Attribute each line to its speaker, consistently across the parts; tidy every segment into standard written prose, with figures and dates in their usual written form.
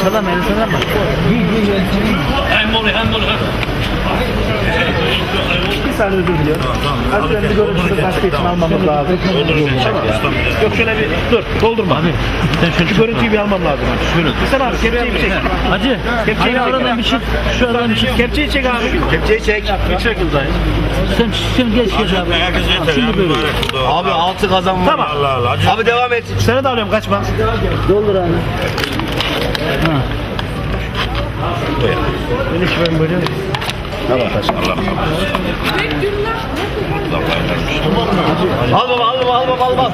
Speaker 1: Sallama elini sallama. Bir saniye özür diliyorum. Aslında bir görüntüsü başka için almamız lazım. Yok şöyle bir dur doldurma. Abi sen şöyle şu görüntüyü bir almam lazım. Şöyle. Sen abi kepçeyi bir çek. Hacı. Kepçeyi çek. Aradan bir şey. Şu aradan bir şey. Kepçeyi çek abi. Kepçeyi çek. Bir çek uzay. Sen geç abi. Şimdi böyle.
Speaker 2: Abi 6 kazan var.
Speaker 1: Tamam.
Speaker 2: Allah Allah. Abi devam et.
Speaker 1: Sana da alıyorum kaçma.
Speaker 3: Doldur abi.
Speaker 1: Beni şöyle böyle.
Speaker 2: Al baba.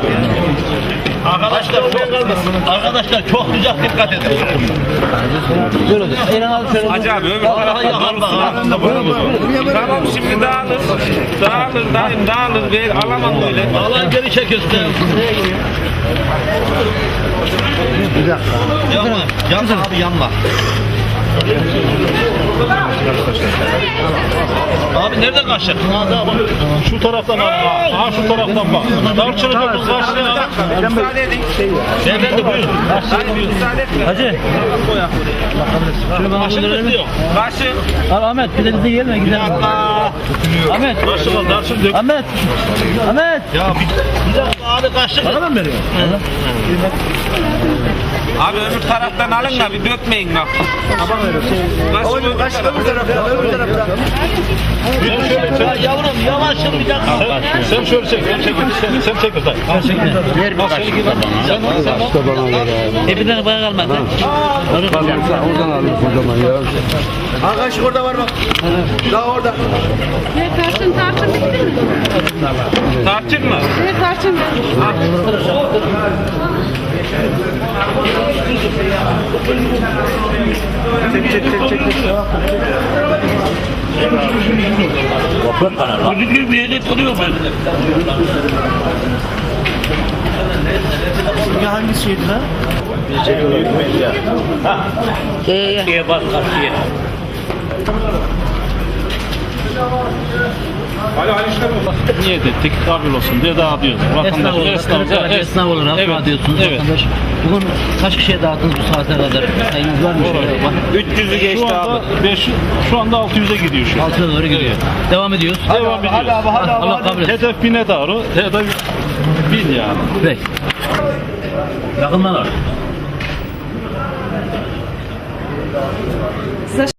Speaker 2: Arkadaşlar çok güzel dikkat edin.
Speaker 1: Böyle de. Elini al şöyle.
Speaker 4: Hacı abi öbür tarafa Tamam şimdi dağılır dağılır ver alamam böyle.
Speaker 2: Alan geri çekiyorsun.
Speaker 1: Bir dakika.
Speaker 2: Yanma abi yanma. Abi nereden kaçacak?
Speaker 4: Şu taraftan al. Ha şu taraftan bak. Darçını kapı karşıya. Müsaade edin.
Speaker 2: Beyefendi buyurun.
Speaker 4: Müsaade etme.
Speaker 1: Hacı. Şunu bana buldur.
Speaker 4: Başı.
Speaker 1: Al Ahmet bir de bize gelme gidelim. Ahmet.
Speaker 4: Darçın dök.
Speaker 1: Ahmet. Ahmet.
Speaker 2: Ya bir dakika abi kaçacak.
Speaker 1: Bana mı veriyor?
Speaker 4: Abi öbür taraftan alın da bir dökmeyin bak. Başı öbür taraftan.
Speaker 2: Öbür taraftan. Yavrum yavaşın bir dakika.
Speaker 4: Sen şöyle çek. Sen çek uzay.
Speaker 1: Ver bir kaç. Bir tane bana kalmadı.
Speaker 3: Oradan alayım o zaman ya.
Speaker 2: Ha kaşık orada var bak. Daha orada.
Speaker 5: Ne tarçın bitti mi?
Speaker 4: Tarçın mı?
Speaker 5: Ne tarçın
Speaker 2: Bir yere duruyor ben.
Speaker 1: Ya hangisiydi lan?
Speaker 2: Diye bak karşıya.
Speaker 4: Niye de teknik kabil olsun diye dağıtıyoruz.
Speaker 1: Esnaf olarak, esnaf olarak dağıtıyorsunuz vatandaş. Bugün kaç kişiye dağıttınız bu saate kadar? Sayınız var mı?
Speaker 4: 300'ü geçti abi. Şu anda 600'e gidiyor şu.
Speaker 1: 6'ya doğru gidiyor. Devam ediyoruz.
Speaker 4: Devam ediyoruz.
Speaker 1: Allah kabul etsin.
Speaker 4: Hedef 1000'e doğru. Hedef 1000 yani.
Speaker 1: Peki. Yakından al.